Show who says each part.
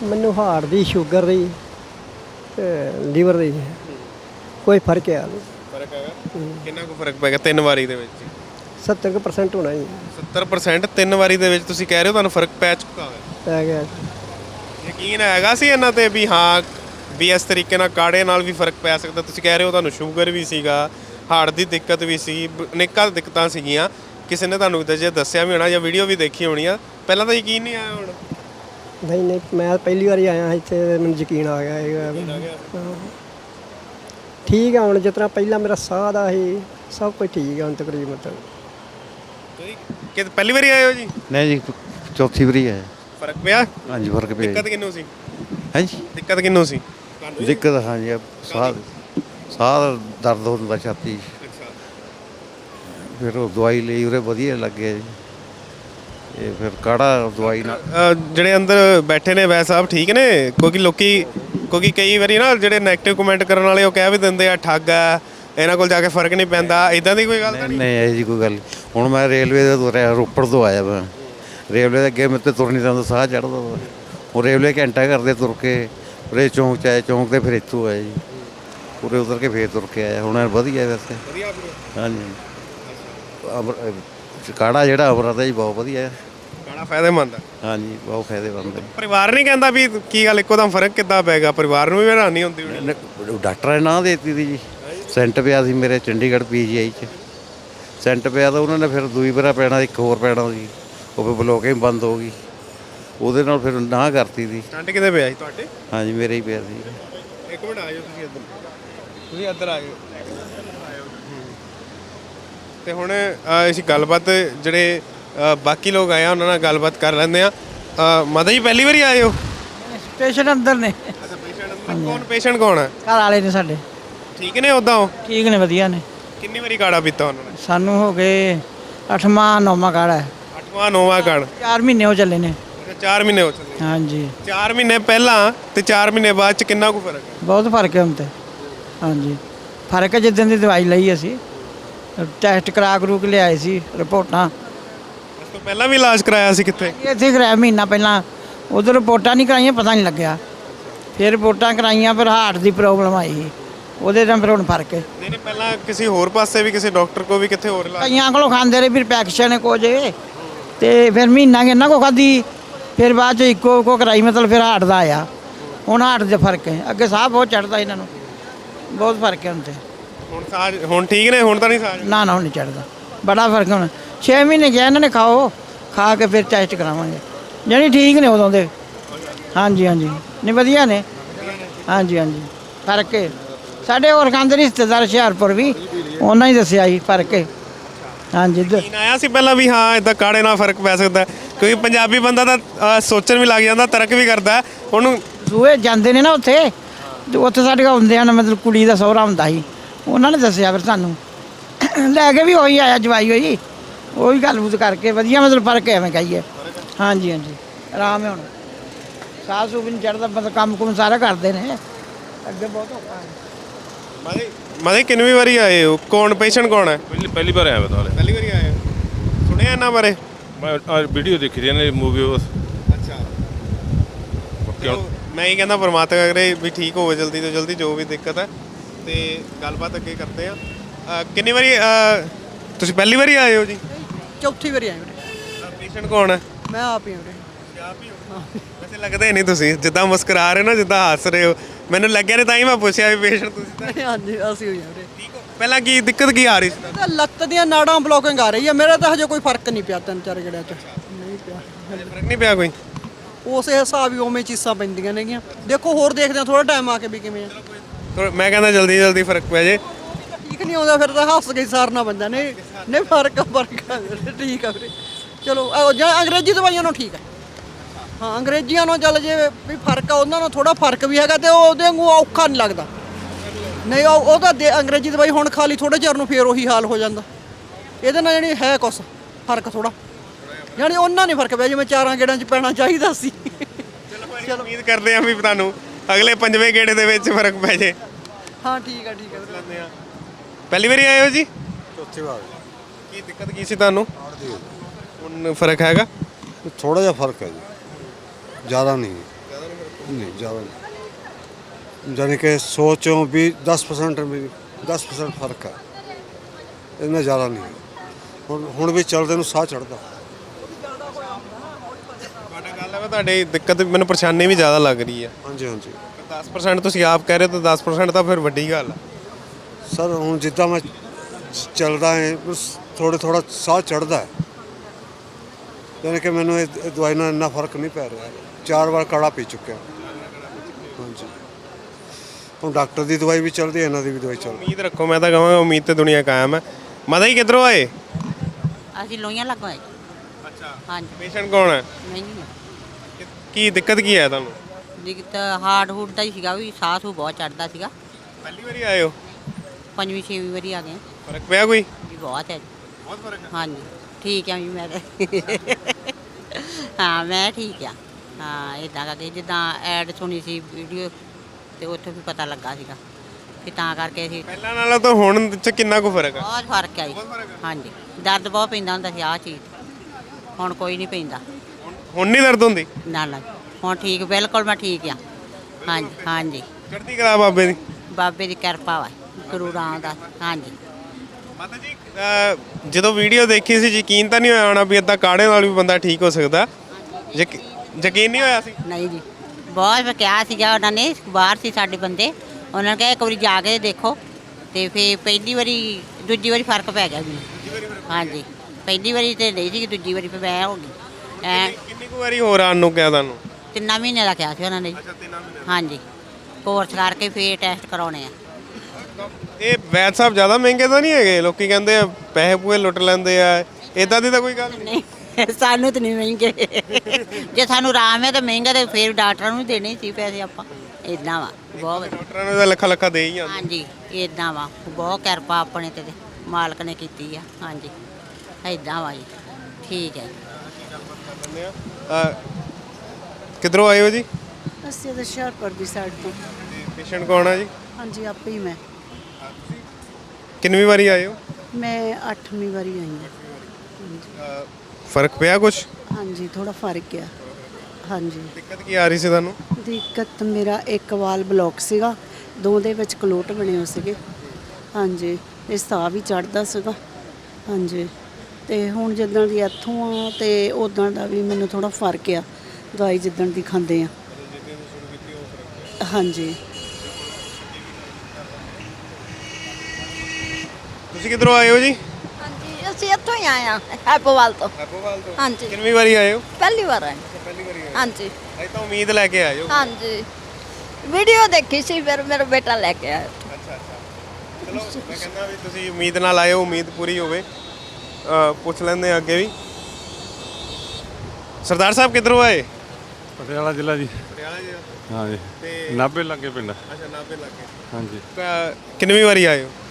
Speaker 1: ਮੈਨੂੰ ਹਾਰਟ ਦੀ, ਸ਼ੂਗਰ ਦੀ ਤੇ ਲੀਵਰ ਦੀ ਕੋਈ ਫਰਕ ਹੈ ਨਹੀਂ।
Speaker 2: ਫਰਕ ਹੈਗਾ ਕਿੰਨਾ ਕੁ ਫਰਕ ਪੈ ਗਿਆ 3 ਵਾਰੀ ਦੇ ਵਿੱਚ?
Speaker 1: 70% ਹੋਣਾ ਜੀ।
Speaker 2: 70% 3 ਵਾਰੀ ਦੇ ਵਿੱਚ ਤੁਸੀਂ ਕਹਿ ਰਹੇ ਹੋ ਤੁਹਾਨੂੰ ਫਰਕ ਪੈ ਚੁੱਕਾ ਹੈ?
Speaker 1: ਪੈ ਗਿਆ।
Speaker 2: ਯਕੀਨ ਹੈਗਾ ਸੀ ਇਹਨਾਂ ਤੇ ਵੀ ਹਾਂ ਵੀ ਇਸ ਤਰੀਕੇ ਨਾਲ ਕਾੜੇ ਨਾਲ ਵੀ ਫਰਕ ਪੈ ਸਕਦਾ? ਤੁਸੀਂ ਕਹਿ ਰਹੇ ਹੋ ਤੁਹਾਨੂੰ ਸ਼ੂਗਰ ਵੀ ਸੀਗਾ, ਹਾਰਟ ਦੀ ਦਿੱਕਤ ਵੀ ਸੀ, ਅਨੇਕਾਂ ਦਿੱਕਤਾਂ ਸੀਗੀਆਂ, ਕਿਸੇ ਨੇ ਤੁਹਾਨੂੰ ਜੇ ਦੱਸਿਆ ਵੀ ਹੋਣਾ ਜਾਂ ਵੀਡੀਓ ਵੀ ਦੇਖੀ ਹੋਣੀ ਆ, ਪਹਿਲਾਂ ਤਾਂ ਯਕੀਨ ਨਹੀਂ ਆਇਆ? ਹੁਣ
Speaker 1: ਨਹੀਂ ਮੈਂ ਪਹਿਲੀ ਵਾਰੀ ਆਇਆ ਇੱਥੇ, ਮੈਨੂੰ ਯਕੀਨ ਆ ਗਿਆ ਹਾਂ। ਠੀਕ ਆ ਹੁਣ, ਜਿਸ ਤਰ੍ਹਾਂ ਪਹਿਲਾਂ ਮੇਰਾ ਸਾਹ ਦਾ ਸੀ ਸਭ ਕੁਝ ਠੀਕ ਆ ਹੁਣ ਤਕਰੀਬਨ।
Speaker 2: ਕਿ ਪਹਿਲੀ ਵਾਰੀ ਆਏ ਹੋ ਜੀ?
Speaker 3: ਨਹੀਂ ਜੀ, ਚੌਥੀ ਵਾਰੀ ਹੈ।
Speaker 2: ਫਰਕ ਪਿਆ?
Speaker 3: ਹਾਂਜੀ ਫਰਕ ਪਿਆ।
Speaker 2: ਦਿੱਕਤ ਕਿੰਨੂੰ ਸੀ?
Speaker 3: ਹਾਂਜੀ
Speaker 2: ਦਿੱਕਤ ਕਿੰਨੂੰ ਸੀ?
Speaker 3: ਦਿੱਕਤ ਹਾਂਜੀ ਸਾਹ ਦਾ ਦਰਦ ਹੁੰਦਾ ਛਾਤੀ। ਫਿਰ ਉਹ ਦਵਾਈ ਲਈ ਉਰੇ ਵਧੀਆ ਲੱਗਿਆ ਜੀ। ਇਹ ਫਿਰ ਕਾੜਾ ਦਵਾਈ ਨਾਲ
Speaker 2: ਜਿਹੜੇ ਅੰਦਰ ਬੈਠੇ ਨੇ ਵੈਦ ਸਾਹਿਬ ਠੀਕ ਨੇ? ਕਿਉਂਕਿ ਕਈ ਵਾਰੀ ਨਾ ਜਿਹੜੇ ਨੈਗੇਟਿਵ ਕਮੈਂਟ ਕਰਨ ਵਾਲੇ ਉਹ ਕਹਿ ਵੀ ਦਿੰਦੇ ਆ ਠੱਗ ਆ, ਇਹਨਾਂ ਕੋਲ ਜਾ ਕੇ ਫਰਕ ਨਹੀਂ ਪੈਂਦਾ, ਇਦਾਂ ਦੀ ਕੋਈ ਗੱਲ ਤਾਂ ਨਹੀਂ?
Speaker 3: ਨਹੀਂ ਇਹ ਜੀ ਕੋਈ ਗੱਲ। ਹੁਣ ਮੈਂ ਰੇਲਵੇ ਦਾ ਤੁਰਿਆ, ਰੋਪੜ ਤੋਂ ਆਇਆ ਮੈਂ। ਰੇਲਵੇ ਦੇ ਅੱਗੇ ਮੇਰੇ ਤੇ ਤੁਰ ਨਹੀਂ ਜਾਂਦਾ, ਸਾਹ ਚੜ੍ਹਦਾ ਵਾ। ਉਹ ਰੇਲਵੇ ਘੰਟਾ ਕਰਦੇ ਤੁਰ ਕੇ ਉਰੇ ਚੌਂਕ 'ਚ ਆਏ, ਚੌਂਕ 'ਤੇ ਫਿਰ ਇੱਥੋਂ ਆਏ ਜੀ। ਉਰੇ ਉਤਰ ਕੇ ਫੇਰ ਤੁਰ ਕੇ ਆਇਆ। ਹੁਣ ਵਧੀਆ ਵੈਸੇ। ਹਾਂਜੀ ਕਾੜਾ ਜਿਹੜਾ ਅਮਰਤ ਹੈ ਜੀ ਬਹੁਤ ਵਧੀਆ ਹੈ।
Speaker 2: ਕਾੜਾ ਫਾਇਦੇਮੰਦ ਹੈ? ਹਾਂਜੀ
Speaker 3: ਬਹੁਤ ਫਾਇਦੇਮੰਦ ਹੈ।
Speaker 2: ਪਰਿਵਾਰ ਨਹੀਂ ਕਹਿੰਦਾ ਵੀ ਕੀ ਗੱਲ ਇੱਕੋ ਦਮ ਫਰਕ ਕਿੱਦਾਂ ਪੈ ਗਿਆ? ਪਰਿਵਾਰ ਨੂੰ ਵੀ ਹੈਰਾਨੀ ਹੁੰਦੀ ਹੋਣੀ?
Speaker 3: ਡਾਕਟਰਾਂ ਨੇ ਨਾਂ ਦੇ ਦਿੱਤੀ ਸੀ ਜੀ। ਸੈਂਟ ਪਿਆ ਸੀ ਮੇਰੇ ਚੰਡੀਗੜ੍ਹ PGI 'ਚ। ਸੈਂਟ ਪਿਆ ਤਾਂ ਉਹਨਾਂ ਨੇ ਫਿਰ ਦੂਈ ਵਾਰਾ ਪੈਣਾ, ਇੱਕ ਹੋਰ ਪੈਣਾ ਸੀ, ਉਹ ਫਿਰ ਬਲੋਕਿੰਗ ਬੰਦ ਹੋ ਗਈ। ਉਹਦੇ ਨਾਲ ਫਿਰ ਨਾ ਕਰਤੀ ਸੀ।
Speaker 2: ਸਟੰਟ ਕਿਤੇ ਪਿਆ ਸੀ ਤੁਹਾਡੇ? ਹਾਂਜੀ
Speaker 3: ਮੇਰੇ ਹੀ ਪਿਆ ਸੀ।
Speaker 2: ਇੱਕ ਮਿੰਟ ਆਇਓ ਤੁਸੀਂ ਇੱਧਰ ਆਇਓ। ਤੇ ਹੁਣ ਅਸੀਂ ਗੱਲਬਾਤ ਜਿਹੜੇ ਬਾਕੀ ਲੋਕ ਆਏ ਆ ਉਹਨਾਂ ਨਾਲ ਗੱਲਬਾਤ ਕਰ ਲੈਂਦੇ ਆ। ਮਾਤਾ ਜੀ ਪਹਿਲੀ ਵਾਰੀ ਆਏ ਹੋ?
Speaker 4: ਪੇਸ਼ੈਂਟ ਅੰਦਰ ਨੇ।
Speaker 2: ਅੱਛਾ ਪੇਸ਼ੈਂਟ ਅੰਦਰ। ਕੌਣ ਪੇਸ਼ੈਂਟ ਕੌਣ ਹੈ?
Speaker 4: ਘਰ ਵਾਲੇ ਨੇ ਸਾਡੇ।
Speaker 2: ਠੀਕ ਨੇ ਉੱਦਾਂ? ਉਹ
Speaker 4: ਠੀਕ ਨੇ, ਵਧੀਆ ਨੇ।
Speaker 2: ਕਿੰਨੀ ਵਾਰੀ ਕਾੜਾ ਪੀਤਾ ਉਹਨਾਂ ਨੇ?
Speaker 4: ਸਾਨੂੰ ਹੋ ਗਏ 8ਵਾਂ 9ਵਾਂ ਕਾੜਾ ਹੈ।
Speaker 2: 8ਵਾਂ 9ਵਾਂ ਕਾੜਾ?
Speaker 4: 4 ਮਹੀਨੇ ਹੋ ਚੱਲੇ ਨੇ।
Speaker 2: 4 ਮਹੀਨੇ ਹੋ ਚੱਲੇ?
Speaker 4: ਹਾਂਜੀ।
Speaker 2: 4 ਮਹੀਨੇ ਪਹਿਲਾਂ ਤੇ 4 ਮਹੀਨੇ ਬਾਅਦ ਚ ਕਿੰਨਾ ਕੁ ਫਰਕ ਹੈ?
Speaker 4: ਬਹੁਤ ਫਰਕ ਹੈ ਹੁਣ ਤੇ। ਹਾਂਜੀ ਫਰਕ ਹੈ। ਜਿੱਦਣ ਦੀ ਦਵਾਈ ਲਈ ਅਸੀਂ ਟੈਸਟ ਕਰਾ ਕਰੂ ਕੇ ਲਿਆਏ ਸੀ ਰਿਪੋਰਟਾਂ।
Speaker 2: ਉਸ ਤੋਂ ਪਹਿਲਾਂ ਵੀ ਇਲਾਜ ਕਰਾਇਆ ਸੀ ਕਿੱਥੇ?
Speaker 4: ਇੱਥੇ ਕਰਾਇਆ ਮਹੀਨਾ ਪਹਿਲਾਂ। ਉਧਰ ਰਿਪੋਰਟਾਂ ਨਹੀਂ ਕਰਾਈਆਂ, ਪਤਾ ਨਹੀਂ ਲੱਗਿਆ। ਫਿਰ ਰਿਪੋਰਟਾਂ ਕਰਾਈਆਂ, ਫਿਰ ਹਾਰਟ ਦੀ ਪ੍ਰੋਬਲਮ ਆਈ, ਉਹਦੇ ਨਾਲ ਫਿਰ ਹੁਣ ਫਰਕ ਹੈ।
Speaker 2: ਨਹੀਂ ਪਹਿਲਾਂ ਕਿਸੇ ਹੋਰ ਪਾਸੇ ਵੀ ਕਿਸੇ ਡਾਕਟਰ ਕੋ ਵੀ ਕਿੱਥੇ ਹੋਰ ਇਲਾਜ?
Speaker 4: ਕਈਆਂ ਕੋਲੋਂ ਖਾਂਦੇ ਰਹੇ, ਫਿਰ ਪੈਕਸ਼ਨ ਕੋ ਜੇ ਤੇ ਫਿਰ ਮਹੀਨਾ ਇਹਨਾਂ ਕੋ ਖਾਧੀ, ਫਿਰ ਬਾਅਦ 'ਚ ਇੱਕੋ ਕਰਾਈ, ਮਤਲਬ ਫਿਰ ਹਾਰਟ ਦਾ ਆਇਆ। ਹੁਣ ਹਾਰਟ ਦਾ ਫਰਕ ਹੈ। ਅੱਗੇ ਸਾਹ ਬਹੁਤ ਚੜ੍ਹਦਾ ਇਹਨਾਂ ਨੂੰ, ਬਹੁਤ ਫਰਕ ਹੈ ਹੁਣ ਤੇ।
Speaker 2: ਹੁਣ ਸਾਹ ਹੁਣ ਠੀਕ ਨੇ? ਹੁਣ ਤਾਂ ਨਹੀਂ ਸਾਹ?
Speaker 4: ਨਾ ਹੁਣ ਨਹੀਂ ਚੜ੍ਹਦਾ, ਬੜਾ ਫਰਕ ਹੁਣ। 6 ਮਹੀਨੇ ਗਿਆ ਇਹਨਾਂ ਨੇ, ਖਾਓ, ਖਾ ਕੇ ਫਿਰ ਟੈਸਟ ਕਰਾਵਾਂਗੇ। ਜਾਣੀ ਠੀਕ ਨੇ ਉਦੋਂ ਦੇ। ਹਾਂਜੀ ਨਹੀਂ ਵਧੀਆ ਨੇ। ਹਾਂਜੀ ਫਰਕ ਹੈ। ਸਾਡੇ ਹੋਰ ਖਾਂਦੇ ਰਿਸ਼ਤੇਦਾਰ ਹੁਸ਼ਿਆਰਪੁਰ ਵੀ, ਉਹਨਾਂ ਹੀ ਦੱਸਿਆ ਜੀ ਫਰਕ ਹੈ। ਹਾਂਜੀ
Speaker 2: ਆਇਆ ਸੀ ਪਹਿਲਾਂ ਵੀ ਹਾਂ ਇਦਾਂ ਕਾੜੇ ਨਾਲ ਫਰਕ ਪੈ ਸਕਦਾ? ਕਿਉਂਕਿ ਪੰਜਾਬੀ ਬੰਦਾ ਤਾਂ ਸੋਚਣ ਵੀ ਲੱਗ ਜਾਂਦਾ, ਤਰਕ ਵੀ ਕਰਦਾ। ਉਹਨੂੰ
Speaker 4: ਦੂਏ ਜਾਂਦੇ ਨੇ ਨਾ ਉੱਥੇ, ਤੇ ਉੱਥੇ ਸਾਡੇ ਕੋਲ ਹੁੰਦੇ ਹਨ, ਮਤਲਬ ਕੁੜੀ ਦਾ ਸਹੁਰਾ ਹੁੰਦਾ ਸੀ, ਉਹਨਾਂ ਨੇ ਦੱਸਿਆ ਫਿਰ ਸਾਨੂੰ। ਲੈ ਕੇ ਵੀ ਉਹੀ ਆਇਆ, ਜਵਾਈ ਹੋਈ, ਉਹੀ ਗੱਲਬਾਤ ਕਰਕੇ ਵਧੀਆ, ਮਤਲਬ ਫਰਕ ਹੈ ਐਵੇਂ ਕਹੀਏ। ਹਾਂਜੀ ਆਰਾਮ ਹੈ ਹੁਣ। ਸਾਹ ਸੂਹ ਵੀ ਨਹੀਂ ਚੜ੍ਹਦਾ, ਮਤਲਬ ਕੰਮ ਕੁਮ ਸਾਰਾ ਕਰਦੇ ਨੇ। ਅੱਗੇ ਬਹੁਤ ਔਖਾ ਹੈ।
Speaker 2: ਮਾਦੇ ਕਿੰਨੀ ਵਾਰੀ ਆਏ ਹੋ? ਕੌਣ ਪੇਸ਼ੈਂਟ ਕੌਣ ਹੈ?
Speaker 5: ਪਹਿਲੀ ਵਾਰ ਆਇਆ ਬਤਾ ਲੈ।
Speaker 2: ਪਹਿਲੀ ਵਾਰੀ ਆਏ ਹੋ? ਸੁਣਿਆ ਇਹਨਾਂ ਬਾਰੇ?
Speaker 5: ਮੈਂ ਵੀਡੀਓ ਦੇਖੀ ਰਹੀ ਨੇ, ਮੂਵੀ।
Speaker 2: ਅੱਛਾ ਮੈਂ ਹੀ ਕਹਿੰਦਾ ਪਰਮਾਤਮਾ ਕਰੇ ਵੀ ਠੀਕ ਹੋਵੇ ਜਲਦੀ ਤੋਂ ਜਲਦੀ, ਜੋ ਵੀ ਦਿੱਕਤ ਹੈ। ਤੇ ਗੱਲਬਾਤ ਅੱਗੇ ਕਰਦੇ ਆ। ਕਿੰਨੀ ਵਾਰੀ ਤੁਸੀਂ ਪਹਿਲੀ ਵਾਰੀ ਆਏ ਹੋ ਜੀ?
Speaker 6: ਚੌਥੀ ਵਾਰੀ ਆਏ ਵੀਰੇ।
Speaker 2: ਪੇਸ਼ੈਂਟ ਕੌਣ ਹੈ?
Speaker 6: ਮੈਂ ਆਪ ਹੀ ਵੀਰੇ।
Speaker 2: ਆਪ ਹੀ ਹੋ? ਵੈਸੇ ਲੱਗਦੇ ਨਹੀਂ ਤੁਸੀਂ, ਜਿੱਦਾਂ ਮੁਸਕਰਾ ਰਹੇ ਹੋ ਨਾ, ਜਿੱਦਾਂ ਹੱਸ ਰਹੇ ਹੋ, ਮੈਨੂੰ ਲੱਗਿਆ ਨਹੀਂ, ਤਾਂ ਹੀ ਮੈਂ ਪੁੱਛਿਆ ਵੀ ਪੇਸ਼ੈਂਟ ਤੁਸੀਂ ਤਾਂ?
Speaker 6: ਹਾਂਜੀ ਅਸੀਂ ਹੋਈ ਵੀਰੇ।
Speaker 2: ਠੀਕ ਹੋ? ਪਹਿਲਾਂ ਕੀ ਦਿੱਕਤ ਕੀ ਆ ਰਹੀ ਸੀ?
Speaker 6: ਤਾਂ ਲੱਤ ਦੀਆਂ ਨਾੜਾਂ ਬਲੋਕਿੰਗ ਆ ਰਹੀ ਹੈ। ਮੇਰਾ ਤਾਂ ਹਜੇ ਕੋਈ ਫਰਕ ਨਹੀਂ ਪਿਆ 3-4 ਗੇੜਿਆਂ 'ਚ। ਨਹੀਂ ਪਿਆ
Speaker 2: ਫਰਕ ਨਹੀਂ ਪਿਆ ਕੋਈ?
Speaker 6: ਉਸੇ ਹਿਸਾਬ ਹੀ ਉਵੇਂ ਚੀਸਾਂ ਪੈਂਦੀਆਂ ਨੇਗੀਆਂ। ਦੇਖੋ ਹੋਰ ਦੇਖਦੇ ਆ ਥੋੜਾ ਟਾਈਮ ਆ ਕੇ ਵੀ ਕਿਵੇਂ ਆ।
Speaker 2: ਮੈਂ ਕਹਿੰਦਾ ਜਲਦੀ ਫਰਕ ਪੈ ਜੇ।
Speaker 6: ਠੀਕ ਨਹੀਂ ਆਉਂਦਾ ਫਿਰ ਤਾਂ ਹੱਸ ਕੇ ਸਾਰਨਾ ਪੈਂਦਾ। ਨਹੀਂ ਫਰਕ ਆ ਵੀਰੇ, ਠੀਕ ਆ ਵੀਰੇ। ਚਲੋ ਜਾਂ ਅੰਗਰੇਜ਼ੀ ਦਵਾਈਆਂ ਨੂੰ ਠੀਕ ਹੈ। ਹਾਂ ਅੰਗਰੇਜ਼ੀਆਂ ਨੂੰ ਚੱਲ ਜੇ ਵੀ ਫਰਕ ਆ, ਉਹਨਾਂ ਨੂੰ ਥੋੜਾ ਫਰਕ ਵੀ ਹੈਗਾ, ਤੇ ਉਹਦੇ ਵਾਂਗੂ ਔਖਾ ਨਹੀਂ ਲੱਗਦਾ। ਨਹੀਂ ਉਹ ਤਾਂ ਅੰਗਰੇਜ਼ੀ ਦਵਾਈ ਹੁਣ ਖਾ ਲਈ, ਥੋੜੇ ਚਿਰ ਨੂੰ ਫੇਰ ਉਹੀ ਹਾਲ ਹੋ ਜਾਂਦਾ। ਇਹਦੇ ਨਾਲ ਜਿਹੜੀ ਹੈ ਕੁਛ ਫਰਕ ਥੋੜਾ, ਜਾਣੀ ਉਹਨਾਂ ਨਹੀਂ ਫਰਕ ਪਿਆ ਜਿਵੇਂ 4 ਗੇੜਾਂ 'ਚ ਪੈਣਾ ਚਾਹੀਦਾ ਸੀ।
Speaker 2: ਚਲੋ ਉਮੀਦ ਕਰਦੇ ਹਾਂ ਵੀ ਤੁਹਾਨੂੰ ਅਗਲੇ 5ਵੇਂ ਗੇੜੇ ਦੇ ਵਿੱਚ ਫਰਕ ਪੈ ਜੇ।
Speaker 6: ਹਾਂ ਠੀਕ ਆ।
Speaker 2: ਪਹਿਲੀ ਵਾਰੀ ਆਏ ਹੋ ਜੀ?
Speaker 3: ਚੌਥੀ ਵਾਰ।
Speaker 2: ਕੀ ਦਿੱਕਤ ਕੀ ਸੀ ਤੁਹਾਨੂੰ? ਹੁਣ ਫਰਕ ਹੈਗਾ?
Speaker 3: ਥੋੜਾ ਜਿਹਾ ਫਰਕ ਹੈ ਜੀ, ਜ਼ਿਆਦਾ ਨਹੀਂ।
Speaker 7: नहीं ज़्यादा नहीं, यानी कि 100 चों भी 10% में 10% फर्क है, इतना ज़्यादा नहीं है। ਹੁਣ ਵੀ ਚੱਲਦੇ ਨੂੰ ਸਾਹ ਚੜਦਾ।
Speaker 2: ਤੁਹਾਡਾ ਗੱਲ ਹੈ ਤੁਹਾਡੀ ਦਿੱਕਤ ਮੈਨੂੰ ਪਰੇਸ਼ਾਨੀ ਵੀ ਜ਼ਿਆਦਾ ਲੱਗ ਰਹੀ ਹੈ।
Speaker 7: ਹਾਂਜੀ ਹਾਂਜੀ
Speaker 2: 10% ਤੁਸੀਂ ਆਪ ਕਹਿ ਰਹੇ ਹੋ ਤਾਂ 10% ਤਾਂ ਫਿਰ ਵੱਡੀ ਗੱਲ ਹੈ।
Speaker 7: ਸਰ ਹੁਣ ਜਿੱਦਾਂ ਮੈਂ ਚੱਲਦਾ ਹੈ ਥੋੜਾ ਸਾਹ ਚੜਦਾ ਹੈ, ਯਾਨੀ ਕਿ ਮੈਨੂੰ ਇਹ ਦਵਾਈ ਨਾਲ ਇੰਨਾ ਫਰਕ ਨਹੀਂ ਪੈ ਰਿਹਾ। 4 ਵਾਰ ਕਾੜਾ ਪੀ ਚੁੱਕਿਆ। ਹਾਂਜੀ ਹੁਣ ਡਾਕਟਰ ਦੀ ਦਵਾਈ ਵੀ ਚੱਲਦੀ ਹੈ, ਇਹਨਾਂ ਦੀ ਵੀ ਦਵਾਈ ਚੱਲਦੀ।
Speaker 2: ਉਮੀਦ ਰੱਖੋ, ਮੈਂ ਤਾਂ ਕਹਾਂਗਾ ਉਮੀਦ ਤੇ ਦੁਨੀਆ ਕਾਇਮ ਹੈ। ਮਾਤਾ ਜੀ ਕਿੱਧਰੋਂ ਆਏ?
Speaker 8: ਅਸੀਂ ਲੋਹੀਆਂ ਲੱਗੋ ਆਏ।
Speaker 2: ਅੱਛਾ,
Speaker 8: ਹਾਂਜੀ
Speaker 2: ਪੇਸ਼ੈਂਟ ਕੌਣ ਹੈ?
Speaker 8: ਨਹੀਂ
Speaker 2: ਕੀ ਦਿੱਕਤ ਕੀ ਹੈ ਤੁਹਾਨੂੰ?
Speaker 8: ਦਿੱਕਤ ਹਾਰਟ ਹੂਟ ਦਾ ਹੀ ਸੀਗਾ, ਵੀ ਸਾਹ ਸੂ ਬਹੁਤ ਚੜਦਾ ਸੀਗਾ।
Speaker 2: ਪਹਿਲੀ ਵਾਰੀ ਆਏ ਹੋ?
Speaker 8: 5ਵੀਂ 6ਵੀਂ ਵਾਰੀ ਆ ਗਏ
Speaker 2: ਫਰਕ ਪਿਆ ਕੋਈ?
Speaker 8: ਜੀ, ਬਹੁਤ ਹੈ ਜੀ।
Speaker 2: ਬਹੁਤ ਫਰਕ ਹੈ।
Speaker 8: ਹਾਂਜੀ ਠੀਕ ਆ ਜੀ ਮੈਂ ਤਾਂ। ਹਾਂ ਮੈਂ ਠੀਕ ਆ। ਹਾਂ ਇਦਾਂ ਕਰਕੇ ਜਿੱਦਾਂ ਐਡ ਸੁਣੀ ਸੀ ਵੀਡੀਓ ਤੇ ਉੱਥੋਂ ਵੀ ਪਤਾ ਲੱਗਾ ਸੀਗਾ ਕਿ ਤਾਂ ਕਰਕੇ ਅਸੀਂ
Speaker 2: ਪਹਿਲਾਂ ਨਾਲੋਂ ਤਾਂ ਹੁਣ ਚ ਕਿੰਨਾ ਕੁ ਫਰਕ ਹੈ?
Speaker 8: ਬਹੁਤ ਫਰਕ ਆ ਜੀ। ਹਾਂਜੀ ਦਰਦ ਬਹੁਤ ਪੈਂਦਾ ਹੁੰਦਾ ਸੀ ਆਹ ਚੀਜ਼, ਹੁਣ ਕੋਈ ਨਹੀਂ ਪੈਂਦਾ।
Speaker 2: ਹੁਣ ਨਹੀਂ ਦਰਦ ਹੁੰਦੀ?
Speaker 8: ਨਾ ਨਾ ਹੁਣ ਠੀਕ, ਬਿਲਕੁਲ ਮੈਂ ਠੀਕ ਆ। ਹਾਂਜੀ ਹਾਂਜੀ
Speaker 2: ਚੜ੍ਹਦੀ ਕਲਾ ਬਾਬੇ ਦੀ।
Speaker 8: ਬਾਬੇ ਦੀ ਕਿਰਪਾ ਵਾ, ਗੁਰੂ ਰਾਮਦਾਸ। ਹਾਂਜੀ
Speaker 2: ਮਾਤਾ ਜੀ ਜਦੋਂ ਵੀਡੀਓ ਦੇਖੀ ਸੀ ਯਕੀਨ ਤਾਂ ਨਹੀਂ ਹੋਇਆ ਹੋਣਾ ਵੀ ਇੱਦਾਂ ਕਾੜੇ ਨਾਲ ਵੀ ਬੰਦਾ ਠੀਕ ਹੋ ਸਕਦਾ? ਯਕੀਨ ਨਹੀਂ ਹੋਇਆ ਸੀ?
Speaker 8: ਨਹੀਂ ਜੀ, ਬਹੁਤ ਮੈਂ ਕਿਹਾ ਸੀਗਾ, ਉਹਨਾਂ ਨੇ ਬਾਹਰ ਸੀ ਸਾਡੇ ਬੰਦੇ, ਉਹਨਾਂ ਨੇ ਕਿਹਾ ਇੱਕ ਵਾਰੀ ਜਾ ਕੇ ਦੇਖੋ। ਤੇ ਫਿਰ ਪਹਿਲੀ ਵਾਰੀ ਦੂਜੀ ਵਾਰੀ ਫਰਕ ਪੈ ਗਿਆ ਮੈਨੂੰ। ਹਾਂਜੀ ਪਹਿਲੀ ਵਾਰੀ ਤੇ ਨਹੀਂ ਸੀ, ਦੂਜੀ ਵਾਰੀ ਫਿਰ ਮੈਂ ਹੋ ਗਈ ਐ।
Speaker 2: ਕਿੰਨੀ ਕੁ ਵਾਰੀ ਹੋਰ ਆਉਣ ਨੂੰ ਕਿਹਾ ਤੁਹਾਨੂੰ?
Speaker 8: 3 ਮਹੀਨੇ ਦਾ ਕਿਹਾ ਸੀ ਉਹਨਾਂ ਨੇ। ਹਾਂਜੀ ਕੋਰਸ ਕਰਕੇ ਫਿਰ ਟੈਸਟ ਕਰਾਉਣੇ ਆ।
Speaker 2: ਇਹ ਵੈਦ ਸਾਹਿਬ ਜ਼ਿਆਦਾ ਮਹਿੰਗੇ ਤਾਂ ਨਹੀਂ ਹੈਗੇ? ਲੋਕੀ ਕਹਿੰਦੇ ਆ ਪੈਸੇ ਪੂਏ ਲੁੱਟ ਲੈਂਦੇ ਆ, ਇਦਾਂ ਦੀ ਤਾਂ ਕੋਈ ਗੱਲ ਨਹੀਂ?
Speaker 8: ਨਹੀਂ ਸਾਨੂੰ ਤਾਂ ਨਹੀਂ ਮਹਿੰਗੇ। ਜੇ ਸਾਨੂੰ ਆਰਾਮ ਹੈ ਤਾਂ ਮਹਿੰਗਾ, ਤੇ ਫਿਰ ਡਾਕਟਰਾਂ ਨੂੰ ਦੇਣੇ ਸੀ ਪੈਸੇ ਆਪਾਂ। ਇਦਾਂ ਵਾ ਬਹੁਤ ਵਧੀਆ।
Speaker 2: ਡਾਕਟਰਾਂ ਨੂੰ ਤਾਂ ਲੱਖਾਂ ਲੱਖਾਂ ਦੇ ਹੀ ਜਾਂਦੇ।
Speaker 8: ਹਾਂਜੀ ਇਦਾਂ ਵਾ, ਬਹੁਤ ਕਿਰਪਾ ਆਪਣੇ ਤੇ ਮਾਲਕ ਨੇ ਕੀਤੀ ਆ। ਹਾਂਜੀ ਇਦਾਂ ਵਾ ਜੀ, ਠੀਕ ਹੈ।
Speaker 2: ਕਿੱਧਰੋਂ ਆਏ ਹੋ ਜੀ?
Speaker 9: ਅਸੀਂ ਤਾਂ ਹੁਸ਼ਿਆਰਪੁਰ ਦੀ ਸਾਈਡ ਤੋਂ।
Speaker 2: ਪੇਸ਼ੈਂਟ ਕੌਣ ਆ ਜੀ?
Speaker 9: ਹਾਂਜੀ ਆਪੇ ਹੀ ਮੈਂ
Speaker 2: ਕਿੰਨੀ ਵਾਰੀ ਆਏ ਹੋ?
Speaker 9: ਮੈਂ 8ਵੀਂ ਵਾਰੀ ਆਈ ਹਾਂ।
Speaker 2: ਫਰਕ ਪਿਆ ਕੁਛ?
Speaker 9: ਹਾਂਜੀ ਥੋੜਾ ਫਰਕ ਆ। ਹਾਂਜੀ
Speaker 2: ਦਿੱਕਤ ਕੀ ਆ ਰਹੀ ਸੀ ਤੁਹਾਨੂੰ?
Speaker 9: ਦਿੱਕਤ ਮੇਰਾ ਇੱਕ ਵਾਲ ਬਲੌਕ ਸੀਗਾ, 2 ਦੇ ਵਿੱਚ ਕਲੋਟ ਬਣੇ ਹੋ ਸੀਗੇ। ਹਾਂਜੀ ਇਹ ਸਾਹ ਵੀ ਚੜਦਾ ਸੀਗਾ। ਹਾਂਜੀ ਤੇ ਹੁਣ ਜਿੱਦਣ ਦੀ ਇੱਥੋਂ ਆ ਤੇ ਉਦੋਂ ਦਾ ਵੀ ਮੈਨੂੰ ਥੋੜਾ ਫਰਕ ਆ, ਦਵਾਈ ਜਿੱਦਣ ਦੀ ਖਾਂਦੇ ਆ। ਹਾਂਜੀ
Speaker 2: ਤੁਸੀਂ ਕਿੱਧਰੋਂ ਆਏ ਹੋ ਜੀ?
Speaker 10: ਹਾਂਜੀ ਅਸੀਂ ਇੱਥੋਂ ਹੀ ਆਏ ਆ ਹੈਪੋਵਾਲ ਤੋਂ।
Speaker 2: ਹੈਪੋਵਾਲ ਤੋਂ?
Speaker 10: ਹਾਂਜੀ
Speaker 2: ਕਿੰਨੀ ਵਾਰੀ ਆਏ ਹੋ?
Speaker 10: ਪਹਿਲੀ ਵਾਰ ਆਏ।
Speaker 2: ਪਹਿਲੀ ਵਾਰੀ ਆਏ?
Speaker 10: ਹਾਂਜੀ
Speaker 2: ਅਜੇ ਤਾਂ ਉਮੀਦ ਲੈ ਕੇ ਆਏ ਹੋ?
Speaker 10: ਹਾਂਜੀ ਵੀਡੀਓ ਦੇਖੀ ਸੀ, ਫਿਰ ਮੇਰਾ ਬੇਟਾ ਲੈ ਕੇ ਆਇਆ।
Speaker 2: ਅੱਛਾ ਅੱਛਾ, ਚਲੋ ਮੈਂ ਕਹਿੰਦਾ ਵੀ ਤੁਸੀਂ ਉਮੀਦ ਨਾਲ ਆਏ ਹੋ, ਉਮੀਦ ਪੂਰੀ ਹੋਵੇ। ਪੁੱਛ ਲੈਂਦੇ ਆ ਅੱਗੇ ਵੀ। ਸਰਦਾਰ ਸਾਹਿਬ ਕਿੱਧਰੋਂ ਆਏ?
Speaker 5: ਪਟਿਆਲਾ ਜ਼ਿਲ੍ਹਾ ਜੀ।
Speaker 2: ਪਟਿਆਲਾ ਜੀ।
Speaker 5: ਹਾਂਜੀ
Speaker 2: ਤੇ
Speaker 5: ਨਾਭੇ ਲੱਗੇ ਪਿੰਡ।
Speaker 2: ਅੱਛਾ ਨਾਭੇ ਲੱਗੇ।
Speaker 5: ਹਾਂਜੀ
Speaker 2: ਕਿੰਨੀ ਵਾਰੀ ਆਏ ਹੋ?